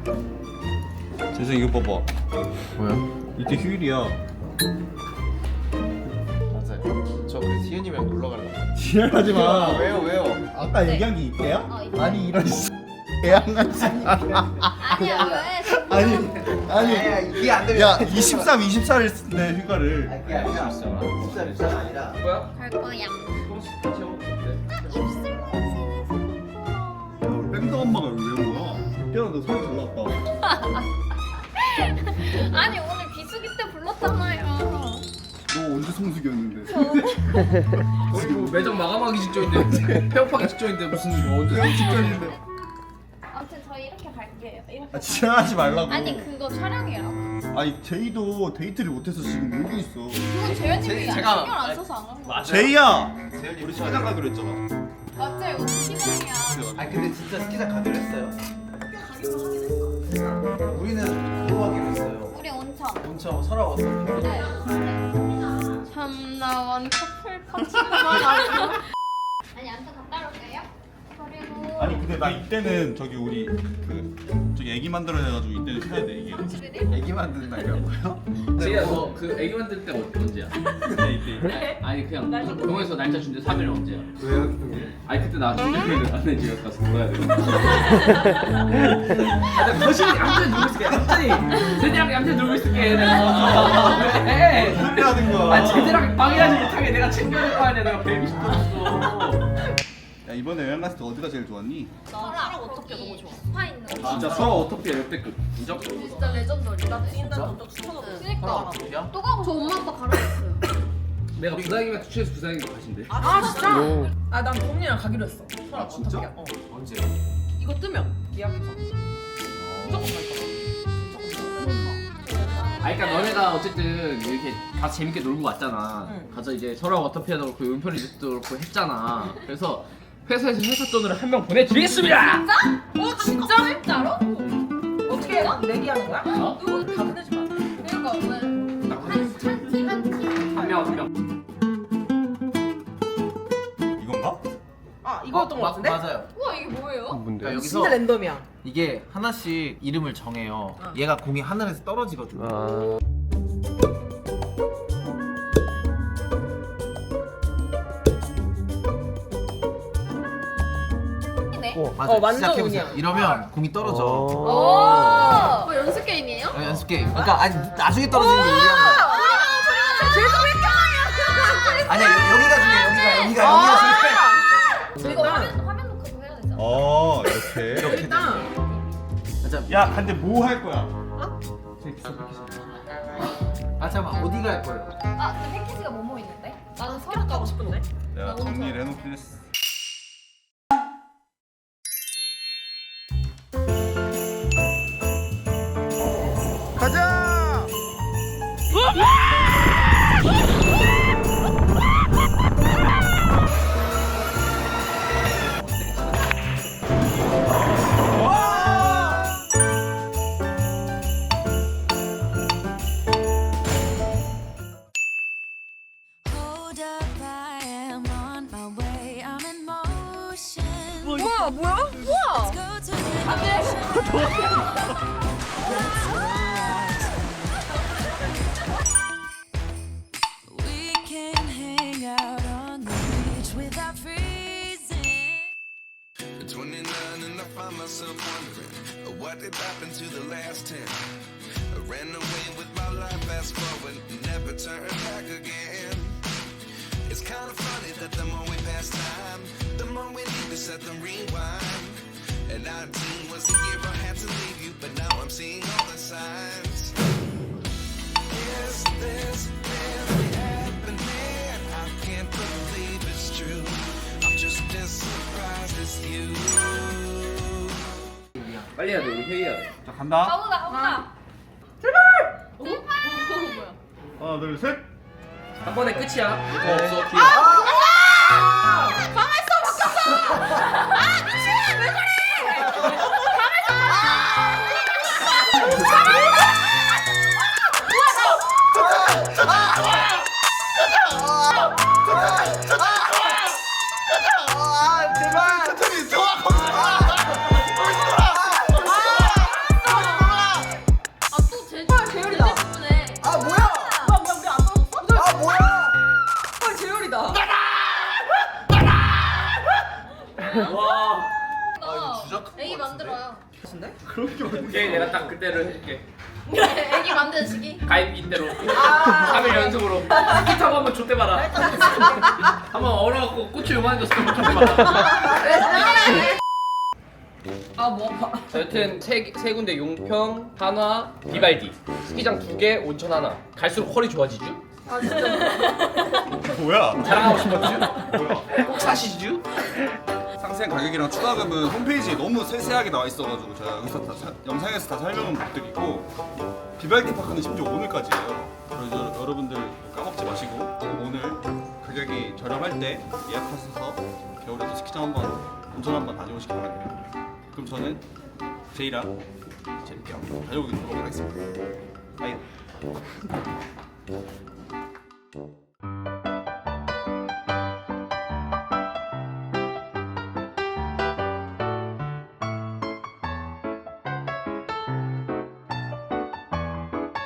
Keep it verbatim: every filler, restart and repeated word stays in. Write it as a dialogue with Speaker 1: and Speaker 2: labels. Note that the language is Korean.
Speaker 1: 재성 이거 봐봐.
Speaker 2: 뭐야?
Speaker 1: 이때 휴일이야.
Speaker 2: 맞아요. 저 그래서 희연이랑 놀러 가려고.
Speaker 1: 지랄하지 마.
Speaker 2: 왜요 왜요?
Speaker 1: 아까 얘기한 게 있대요?
Speaker 3: 어, 있대.
Speaker 1: 아니 이런 씨. 애양같이.
Speaker 3: 아니야 왜?
Speaker 1: 아니 아니.
Speaker 2: 아니야, 이게 안 되면.
Speaker 1: 야 이십삼, 이십사를 쓴대 휴가를.
Speaker 2: 이게 아니라 십삼 십삼 아니라. 뭐야?
Speaker 3: 갈 거야.
Speaker 1: 야, 우리 뺑덕 엄마가 여기 왜 온 거야? 태연아 너 소리 잘 났다.
Speaker 3: 아니 오늘 비수기 때 불렀잖아요.
Speaker 1: 너 언제 성수기였는데?
Speaker 4: 거의 뭐 매장 마감하기 직전인데 폐업하기 직전인데 무슨 이거 언제
Speaker 1: 내가 직전인데.
Speaker 3: 아무튼 저희 이렇게 갈게요. 이렇게.
Speaker 1: 아 지랄하지 말라고.
Speaker 3: 아니 그거 촬영이라고.
Speaker 1: 아니 제이도 데이트를 못해서 지금 놀고 있어.
Speaker 3: 그건 재현님이
Speaker 2: 제-
Speaker 3: 신경
Speaker 2: 제가-
Speaker 3: 안 써서 안 하는 거야.
Speaker 1: 제이야.
Speaker 2: 우리 스키장 가기로 했잖아.
Speaker 3: 맞지? 오늘 시간이야.
Speaker 2: 아 근데 진짜 스키장 가기로 했어요. 우리는 그거 하기로 했어요.
Speaker 3: 우리 온천.
Speaker 2: 온천 설악 어떻게?
Speaker 3: 네. 참나원 커플 파티가 아니 아무튼 갔다 올게요. 그리고
Speaker 1: 아니 근데 나 이때는 저기 우리 그 저기 애기 만들어야 해가지고 이때는 쉬어야 돼 이게.
Speaker 2: 애기 만드는 날이라고요?
Speaker 4: 제이야 너그 애기 만들 때 어- 언제야?
Speaker 1: 이때 이때.
Speaker 4: 아니 그냥 병원에서 날짜 준대 삼 일 언제야?
Speaker 2: 왜요? 형님?
Speaker 4: 아니 그때 나 준비를 안 해. 집에 가서 놀아야 돼. 아, 나 거실에 얌전히 놀고 있을게. 얌전히 제대랑 얌전히 놀고 있을게. 내가 왜?
Speaker 1: 하는 거야.
Speaker 4: 아 제대랑 방해하지 못하게 내가 챙겨야 될 거 아니야. 내가 베이비 시켜줬어.
Speaker 1: 야 이번에 여행 갔을 때 어디가 제일 좋았니?
Speaker 3: 나랑 어떻게 너무 좋아. 스파 있는 거.
Speaker 4: 진짜 서로 어떻게 역대급 인정?
Speaker 3: 진짜 레전더리. 나 지인들 전적 추천하고. 그니까.
Speaker 2: 어디야?
Speaker 3: 또 가고 저 엄마 아빠 가라했어요.
Speaker 4: 내가 부산이면 투치에서 부산이 가신대.
Speaker 5: 아 진짜? 아 난 동민이랑 가기로 했어.
Speaker 4: 아, 진짜?
Speaker 5: 어.
Speaker 2: 언제?
Speaker 5: 이거 뜨면 예약해서. 무조건 갈 거야.
Speaker 4: 아, 그러니까 너네가 어쨌든 이렇게 다 재밌게 놀고 왔잖아.
Speaker 5: 응.
Speaker 4: 가서 이제 서로 어떻게도 그렇고 은편이 도 그렇고 했잖아. 그래서 회사에서 회사 돈으로 한 명 보내드리겠습니다.
Speaker 5: 어 진짜?
Speaker 3: 진짜로?
Speaker 5: 어떻게 해? 내기하는 거야?
Speaker 4: 어?
Speaker 5: 누구 다 보내지 마.
Speaker 3: 그러니까 오늘 한팀 한팀
Speaker 4: 한 명 한 명.
Speaker 1: 이건가?
Speaker 5: 아 이거였던 거 같은데?
Speaker 2: 맞아요.
Speaker 3: 우와 이게 뭐예요?
Speaker 2: 그러니까 여기서
Speaker 5: 진짜 랜덤이야.
Speaker 2: 이게 하나씩 이름을 정해요.
Speaker 5: 어.
Speaker 2: 얘가 공이 하늘에서 떨어지거든요.
Speaker 3: 네.
Speaker 2: 맞아요.
Speaker 5: 어, 완전
Speaker 2: 시작해보세요.
Speaker 5: 운이야.
Speaker 2: 이러면 공이 떨어져.
Speaker 3: 오. 뭐 연습 게임이에요?
Speaker 2: 어, 연습 게임. 그러니까 아니 나중에 떨어지는 게 유리한 거야. 아니야 여- 여기가 중요해. 여기가 여기가 여기가 실패.
Speaker 3: 이거 화면 화면 놓고 해야 되잖아.
Speaker 1: 어 이렇게.
Speaker 2: 이렇게
Speaker 5: 일단
Speaker 2: 자,
Speaker 1: 야 근데 뭐 할 거야?
Speaker 2: 아 잠깐 어디가 할 거예요?
Speaker 3: 아 근데 패키지가 뭐뭐 있는데? 나는 서울
Speaker 5: 가고 싶은데?
Speaker 1: 내가 정리를 해놓긴 했어. 가자!
Speaker 6: Hold up, I am on my way. I'm in motion.
Speaker 5: 뭐야 뭐야? 우와.
Speaker 6: Go to the We can hang out on the beach without freezing.
Speaker 7: At twenty-nine and I find myself wondering uh, what did happen to the last ten. I ran away with my life, fast forward, never turn back again. It's kind of funny that the more we pass time, the more we need to set them rewind. And nineteen was the year I had to leave you, but now I'm seeing all the signs. Is this really happening? I can't believe it's true. I'm just as surprised as you.
Speaker 4: 빨리 해야 돼. 우리 회의해야 돼.
Speaker 1: 자 간다.
Speaker 3: 가보자 가보자.
Speaker 1: 하나 둘 셋.
Speaker 4: 한 번에 끝이야. 더 없어. 기회.
Speaker 1: 아 제발. 천천히 좋아. 아. 시작한
Speaker 3: 애기
Speaker 1: 거 같은데?
Speaker 3: 만들어요.
Speaker 2: 같은데?
Speaker 1: 그런 게 어딨어.
Speaker 4: 오케이 내가 딱 그때를 해줄게.
Speaker 3: 애기 만드는 시기.
Speaker 4: 가입 인대로 삼 일 연속으로 스키 타고 한번 좆대봐라. 한번 얼어갖고 꽃이 요만해졌을 때 한번 좆대봐라.
Speaker 5: 아뭐 아파.
Speaker 4: 자, 여튼 세, 세 군데 용평, 한화, 비발디 스키장 두 개, 온천 하나. 갈수록 퀄이 좋아지죠?
Speaker 5: 아 진짜.
Speaker 1: 뭐야?
Speaker 4: 자랑하고 싶었죠?
Speaker 1: 뭐야?
Speaker 4: 꼭 사시죠?
Speaker 1: 상세한 가격이랑 추가금은 홈페이지에 너무 세세하게 나와 있어가지고 제가 여기서 다 사- 영상에서 다 설명은 못 드리고 비발디 파크는 심지어 오늘까지예요. 그래서 여러분들 까먹지 마시고 오늘 가격이 저렴할 때 예약하셔서 겨울에도 스키장 한번 온천 한번 다녀오시기 바랍니다. 그럼 저는 제이랑 재밌게 한번 다녀오도록 하겠습니다. 바이.